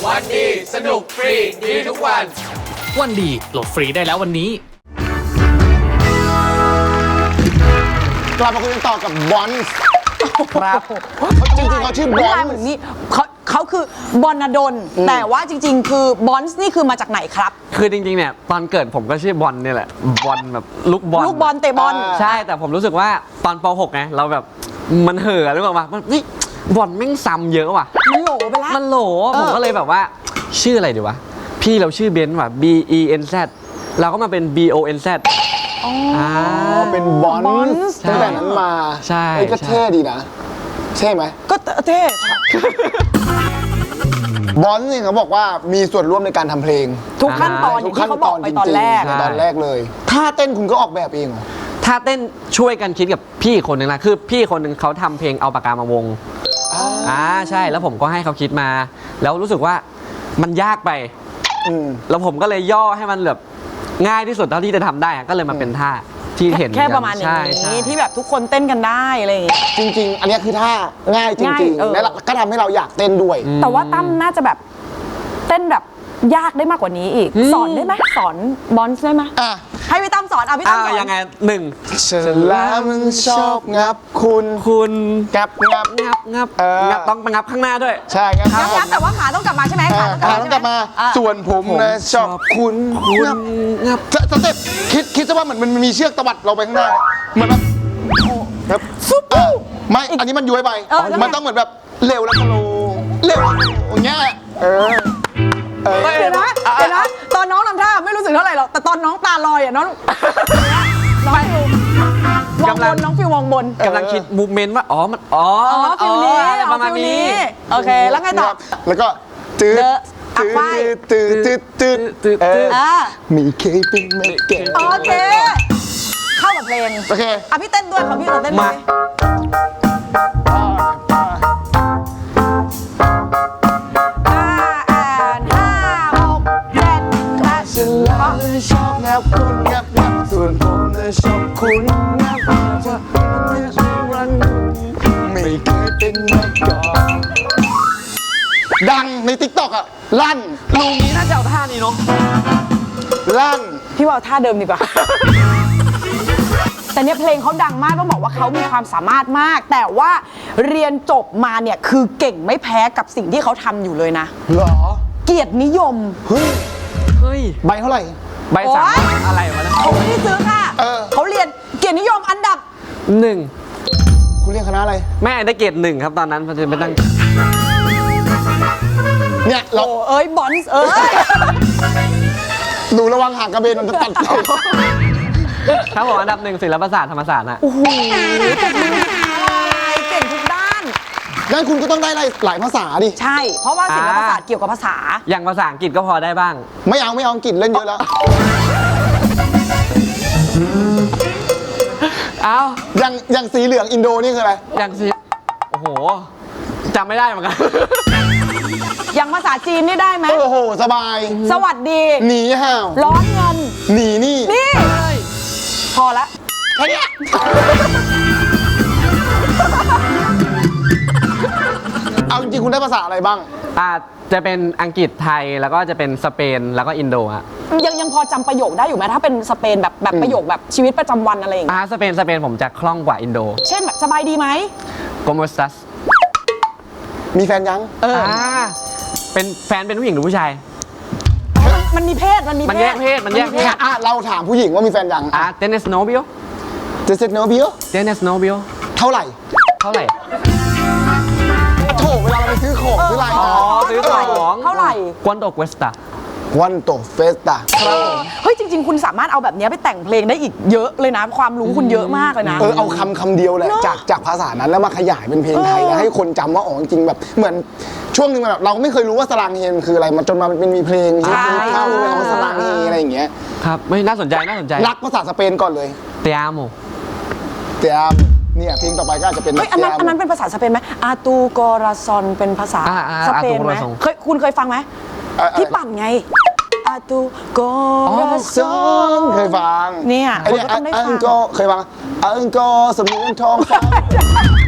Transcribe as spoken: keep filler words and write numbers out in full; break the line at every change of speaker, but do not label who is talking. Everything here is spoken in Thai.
วันดีสนุกฟรีดีทุกวัน
วันดีโหลดฟรีได้แล้ววันนี้
กลับมาคุยกันต่อกับบอนส์ครับจริงๆเขาชื่อบอนส์
นี่เขาเขาคือบอนดลแต่ว่าจริงๆคือบอนส์นี่คือมาจากไหนครับ
คือจริงๆเนี่ยตอนเกิดผมก็ชื่อบอลเนี่ยแหละบอลแบบลูกบอล
ลูกบอลเตะบอล
ใช่แต่ผมรู้สึกว่าตอนป หก ไงเราแบบมันเห่อหรือเปล่าวะมันนี่บอลแม่งซ้ำเยอะว่ะ
มันโหลไปแล้ว
มันโหลผมก็เลยแบบว่าชื่ออะไรดีวะพี่เราชื่อเบนซ์ว่ะ B E N Z เราก็มาเป็น B O N Z
อ๋อเป็นบอนส์ตั้งแต่นั้นมา
ใช่
ก็เท่ดีนะใช่ไหม
ก็เท่
บอนส์เนี่ยเขาบอกว่ามีส่วนร่วมในการทำเพลง
ทุกขั้นตอนที่เขาบอกไปตอนแรก
ตอนแรกเลยท่าเต้นคุณก็ออกแบบเองเหรอ
ท่าเต้นช่วยกันคิดกับพี่คนหนึ่งนะคือพี่คนหนึ่งเขาทำเพลงเอาปากกามาวงอ่าใช่แล้วผมก็ให้เขาคิดมาแล้วรู้สึกว่ามันยากไปแล้วผมก็เลยย่อให้มันแบบง่ายที่สุดเท่าที่จะทำได้ก็เลยมาเป็นท่าที่เห็น
แค่ประมาณนี้ที่แบบทุกคนเต้นกันได้อะไรอย่างเงี้ย
จริงๆอันนี้คือท่าง่ายจริงๆแล้วก็ทำให้เราอยากเต้นด้วย
แต่ว่าตั้มน่าจะแบบเต้นแบบยากได้มากกว่านี้อีกสอนได้ไหมสอนบอนส์ได้ไหมให้พี่ตั้มสอนอ่ะพี่ตั้มสอน
ยังไงหนึ่ง
ฉันแล้วมันชอบงับคุณ
คุณ
งับงับ
งับงับงับต้องไปงับข้างหน้าด้วย
ใช่งับ
งับแต่ว่าขาต้องกลับมาใช่ไหมขา
ต้องกลับมาส่วนผมนะชอบคุณ
คุณงับ
สเต็ปคิดคิดซะว่าเหมือนมันมีเชือกตวัดเราไปข้างหน้าเหมือนแบบครับไม่อันนี้มันย้วยไปมันต้องเหมือนแบบเร็วแล้วก็โลเร็วอย่างเงี้ยเออ
เดี๋ยวนะเดี๋ยวนะตอนน้องทำท่าไม่รู้สึกเท่าไหร่หรอกแต่ตอนน้องตาลอยอ่ะน้องน้องฟิวมองบนน้องฟิวมองบน
กำลังคิดมูฟเมนต์ว่าอ๋อมันอ๋อ
ฟิวนี้
ประมาณนี้
โอเคแล้วไงต่อ
แล้วก็จืดจืดจืดจืดจืดจืดมีเคยเป็นไม่เก่ง
โอเคเข้ากับเพลง
โอเค
อ่ะพี่เต้นด้วยขอพี่เราเต้นด้วย
ชอบงับคุณงับงับส่วนผมน่ะชอบคุณงับงับรังไม่เคยเป็นมาก่อนดังในติ๊กต็อกอ่ะลั่น
ลุงนี้น่าจะเอาท่านี้เนาะ
ลั่น
พี่ว่าท่าเดิมดีกว่าแต่เนี่ยเพลงเขาดังมากต้องบอกว่าเขามีความสามารถมากแต่ว่าเรียนจบมาเนี่ยคือเก่งไม่แพ้กับสิ่งที่เขาทำอยู่เลยนะ
หรอ
เกียรตินิยม
เฮ้ย
เฮ้ย
ใบเท่าไหร่
ใบสามอะไรวะนะ
เขาไม่ได้ซื้อค่ะเขาเรียนเกียรตินิยมอันดับ
หนึ่ง
คุณเรียนคณะอะไร
แม่ได้เกียรติหนึ่งครับตอนนั้นมันจะไปตั้ง
เนี่ยเรา
เอ้ยบอนส์เอ้ย
ดูระวังห่างกระเบนมันจะตัด
ครับผมอันดับหนึ่งศิลปศาสตร์ธรรมศาสตร์นะ
โอ้โหเก่งทุกด้าน
งั้นคุณก็ต้องได้หลายภาษาดิ
ใช่เพราะว่าศิลปศาสตร์เกี่ยวกับภาษา
อย่างภาษาอังกฤษก็พอได้บ้าง
ไม่เอาไม่เอาอังกฤษเล่นเยอะแล้ว
เอา
อย่างอย่างสีเหลืองอินโดนี่คืออะไร
อย่างสีโอ้โหจำไม่ได้เหมือนกัน
อย่างภาษาจีนนี่ได้ไหม
โอ้โหสบาย
สวัสดี
หนีห่าว
ร้อนเงิน
หนีนี่
นี่พอละ
แค่นี้เอาจริงๆคุณได้ภาษาอะไรบ้าง
อาจจะเป็นอังกฤษไทยแล้วก็จะเป็นสเปนแล้วก็อินโดฮะ
ยังยังพอจำประโยคได้อยู่ไหมถ้าเป็นสเปนแบบแบบประโยคแบบชีวิตประจำวันอะไรอย่างเงี้ย
อ่าสเปนสเปนผมจะคล่องกว่าอินโด
เช่นแบบสบายดีไหม
Como estás
มีแฟนยัง
เออเป็นแฟนเป็นผู้หญิงหรือผู้ชาย
มันมีเพศมันมี
มันแยกเพศมันแยกเพศ
อ่ะเราถามผู้หญิงว่ามีแฟนยัง
อ่ะ ¿tienes novio
¿tienes novio
¿tienes novio
เท่าไหร่
เท่าไหร่
โถเวลาเราไปซื้อของซื้ออะไร
อ๋อซื้อของ
เท่าไหร่
¿cuánto cuesta
¿cuánto cuesta
เฮ้ยจริงๆคุณสามารถเอาแบบนี้ไปแต่งเพลงได้อีกเยอะเลยนะความรู้คุณเยอะมากเลยนะ
เออเอาคำคำเดียวแหละจากจากภาษานั้นแล้วมาขยายเป็นเพลงไทยแล้วให้คนจำว่าอ๋อจริงแบบเหมือนช่วงนึงแบบเราก็ไม่เคยรู้ว่าสลังเฮนคืออะไรมาจนมาเป็นมีเพลงที่เข้าเรื่องของสลังเฮอะไรอย่างเงี้ย
ครับไม่น่าสนใจน่าสนใจ
รักภาษาสเปนก่อนเลย
Te amo
Te amo เนี่ยเพลงต่อไปก็อาจจะเป็น
เฮ้ยอันนั้นอันนั้นเป็นภาษาสเปนไหมอาตูกอราซอนเป็นภาษาสเปนไหมเคยคุณเคยฟังไหมที่ปั่นไงอาตูกอราซอน
เคยฟัง
เนี่ย
ไอ้เนี่ยอังโกเคยฟังอังโกสมุนทองฟ้า